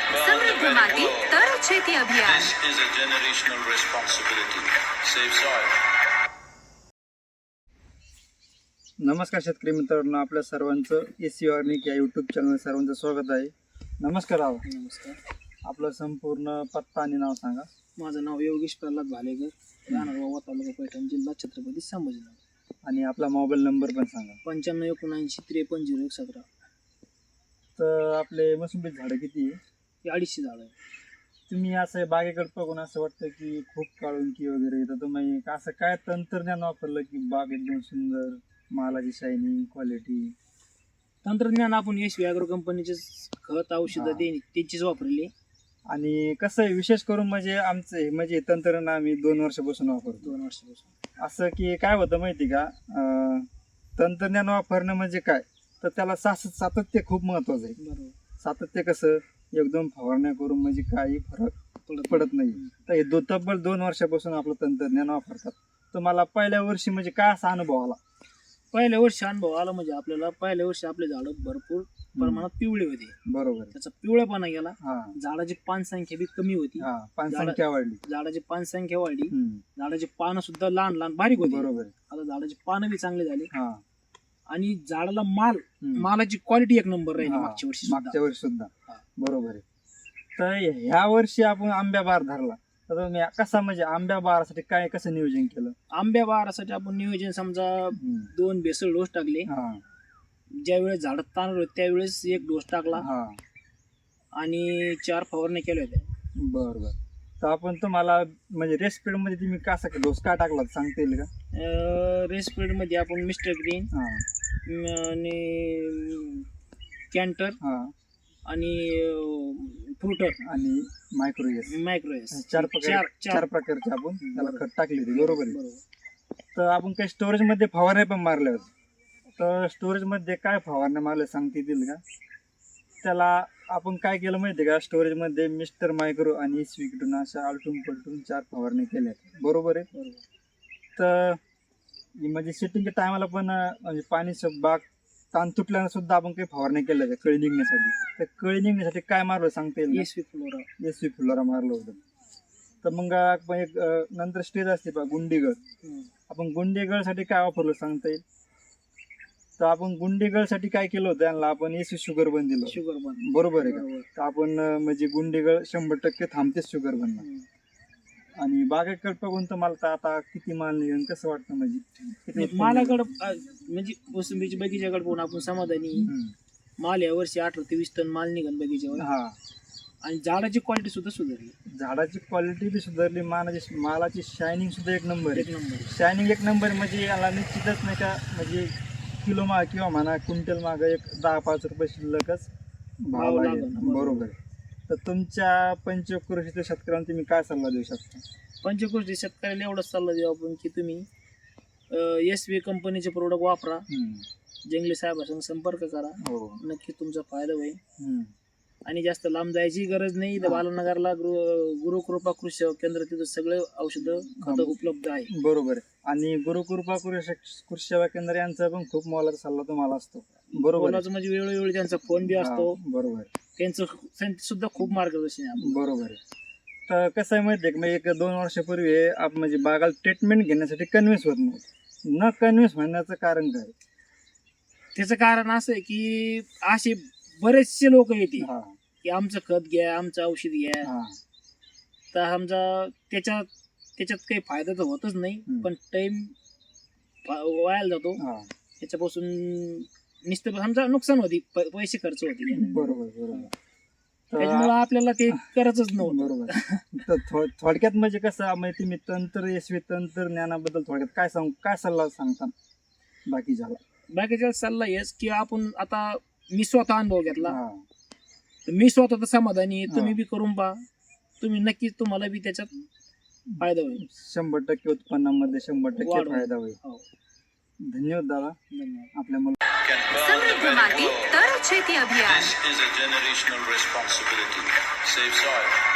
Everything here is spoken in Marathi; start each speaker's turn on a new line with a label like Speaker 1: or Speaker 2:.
Speaker 1: समृद्ध माती तर शेती अभियान.
Speaker 2: This is a generational responsibility. Save soil.
Speaker 3: नमस्कार शेतकरी मित्रांनो, आपल्या सर्वांचं एसी ऑर्निक या यूट्यूब चॅनल सर्वांचं स्वागत आहे. नमस्कार आहो.
Speaker 4: नमस्कार.
Speaker 3: आपलं संपूर्ण पत्ता आणि नाव सांगा.
Speaker 4: माझं नाव योगेश प्रल्हाद भालेकर, राहणार वावा, तालुका पैठण, जिल्हा छत्रपती संभाजीनगर.
Speaker 3: आणि आपला मोबाईल नंबर पण सांगा.
Speaker 4: 9579530117.
Speaker 3: तर आपले मोसंबी झाडं किती आहे?
Speaker 4: ही 250 झाडं आहे.
Speaker 3: तुम्ही असं बागेकडे बघून असं वाटतं की खूप काळुंकी वगैरे, तर तुम्ही असं काय तंत्रज्ञान वापरलं की बाग एकदम सुंदर, मालाची शायनिंग, क्वालिटी?
Speaker 4: तंत्रज्ञान आपण यशवी ॲग्रो कंपनीचे खत औषधं त्यांचीच वापरली.
Speaker 3: आणि कसं आहे, विशेष करून म्हणजे आमचं हे तंत्रज्ञान आम्ही 2 वर्षापासून वापरतो.
Speaker 4: 2 वर्षापासून.
Speaker 3: असं की काय होतं माहिती का, तंत्रज्ञान वापरणं म्हणजे काय, तर त्याला सातत्य खूप महत्वाचं आहे.
Speaker 4: बरोबर.
Speaker 3: सातत्य कसं, एकदम फवारण्या करून म्हणजे काही फरक पडत नाही. तर हे तब्बल 2 वर्षापासून आपलं तंत्रज्ञान वापरतात. तर मला पहिल्या वर्षी म्हणजे काय असा अनुभव आला?
Speaker 4: पहिल्या वर्षी अनुभव आला म्हणजे आपल्याला पहिल्या वर्षी आपले झाडं भरपूर प्रमाणात पिवळे होते.
Speaker 3: बरोबर.
Speaker 4: त्याचा पिवळेपणा गेला.
Speaker 3: हा,
Speaker 4: झाडाची पान संख्या बी कमी होती.
Speaker 3: हा, पान संख्या वाढली.
Speaker 4: झाडाची पान संख्या वाढली. झाडाची पानं सुद्धा लहान लहान बारीक होती.
Speaker 3: बरोबर.
Speaker 4: आता झाडाची पानं बी चांगली झाली.
Speaker 3: हा,
Speaker 4: आणि झाडाला मालाची क्वालिटी एक नंबर राहिली मागच्या वर्षी
Speaker 3: सुद्धा. बरोबर आहे. तर ह्या वर्षी आपण आंब्या बार धरला, तर तुम्ही कसा म्हणजे आंब्या बारासाठी काय कसं नियोजन केलं?
Speaker 4: आंब्या बहारासाठी आपण नियोजन समजा 2 बेसल डोस टाकले. ज्यावेळेस झाड ताणलं होतं त्यावेळेस 1 डोस टाकला आणि 4 फवारण्या केल्या होत्या.
Speaker 3: बरोबर. तर आपण तुम्हाला म्हणजे रेस्ट पिरियड मध्ये तुम्ही कसा डोस का टाकला सांगता येईल का?
Speaker 4: रेस्ट पिरियड मध्ये आपण मिस्टर ग्रीन आणि कॅन्टर आणि फ्रुटर
Speaker 3: आणि मायक्रोएस 4 प्रकारचे आपण त्याला खत टाकले होते. बरोबर आहे. तर आपण काही स्टोरेज मध्ये फवारण्या पण मारल्या होत्या. तर स्टोरेज मध्ये काय फवारण्या मारल्या सांगता येतील का? त्याला आपण काय केलं माहिती का, स्टोरेज मध्ये मिस्टर मायक्रो आणि स्विकडून अशा आलटून पलटून 4 फवारण्या केल्या. बरोबर आहे. तर म्हणजे सिटिंगच्या टायमाला पण म्हणजे पाणी बाग ताण तुटल्यानं सुद्धा आपण काही फवारण्या केल्या होत्या कळी निघण्यासाठी. तर कळी निघण्यासाठी काय मारलं सांगता येईल? एसवी फ्लोरा मारलं होतं. तर मग एक नंतर स्टेज असते पहा गुंडीगळ. आपण गुंडीगळसाठी काय वापरलं सांगता येईल? तर आपण गुंडीगळसाठी काय केलं होतं, त्यांना आपण एसवी शुगर बन दिलं. बरोबर आहे का? तर आपण म्हणजे गुंडीगळ 100% थांबतेच शुगर बनणार. आणि बागेकडे बघून तर मला तर आता किती माल निघेल कसं वाटतं, म्हणजे
Speaker 4: मालाकडं म्हणजे मोसंबीच्या बगीच्याकडे पाहून आपण समाधानी. माल या वर्षी 18 ते 20 टन माल निघाल बगीच्यावर.
Speaker 3: हा,
Speaker 4: आणि झाडाची क्वालिटी सुद्धा सुधारली.
Speaker 3: झाडाची क्वालिटी बी सुधारली, मालाची शायनिंग सुद्धा एक नंबर. शायनिंग एक नंबर म्हणजे याला निश्चितच नाही का, म्हणजे किलो माग किंवा म्हणा क्विंटल माग एक 10-5 रुपये शिल्लकच भाव लागेल. बरोबर. तर तुमच्या पंचकृषीच्या शेतकऱ्यांना तुम्ही काय सल्ला देऊ शकता?
Speaker 4: पंचकृषी शेतकऱ्याला एवढाच सल्ला देऊ आपण की तुम्ही एसवी कंपनीचे प्रोडक्ट वापरा. जंगली साहेबांसंग संपर्क करा. नक्की तुमचा फायदा होईल. आणि जास्त लांब जायची गरज नाही. बालनगरला गुरुकृपा कृषी केंद्र, तिथं सगळे औषधं खतं उपलब्ध आहे.
Speaker 3: बरोबर. आणि गुरुकृपा कृषी सेवा केंद्र यांचा पण खूप मोलाचा सल्ला तुम्हाला असतो. बरोबर. म्हणजे
Speaker 4: वेळोवेळी त्यांचा फोन बी असतो.
Speaker 3: बरोबर.
Speaker 4: त्यांचं सुद्धा खूप मार्गदर्शन आहे.
Speaker 3: बरोबर. तर कसं आहे माहिती आहे का, 1-2 वर्षापूर्वी आपण म्हणजे बागाला ट्रीटमेंट घेण्यासाठी कन्व्हिन्स होत नव्हतं. न कन्व्हिन्स होण्याचं कारण काय?
Speaker 4: त्याचं कारण असं आहे की असे बरेचसे लोक येतील की आमचं खत घ्या, आमचं औषध घ्या. तर समजा त्याच्यात काही फायदा तर होतच नाही, पण टाइम वायाला जातो. त्याच्यापासून नुसतं समजा नुकसान होती, पैसे खर्च होते.
Speaker 3: बरोबर.
Speaker 4: त्याच्यामुळे आपल्याला ते करायचंच नव्हतं.
Speaker 3: बरोबर. तर थोडक्यात म्हणजे कसं माहिती, मी यशस्वी तंत्रज्ञानाबद्दल थोडक्यात काय सल्ला सांगता बाकीच्या
Speaker 4: सल्ला हेच की आपण आता मी स्वतः अनुभव घेतला. मी स्वतः तर समाधानी. तुम्ही बी करून पहा. तुम्ही नक्कीच तुम्हाला बी त्याच्यात फायदा होईल.
Speaker 3: 100% उत्पन्नामध्ये 100% फायदा होईल. धन्यवाद दादा. आपल्या
Speaker 1: समृद्ध माती तर शेती अभियान.
Speaker 2: This is a generational responsibility. Save soil.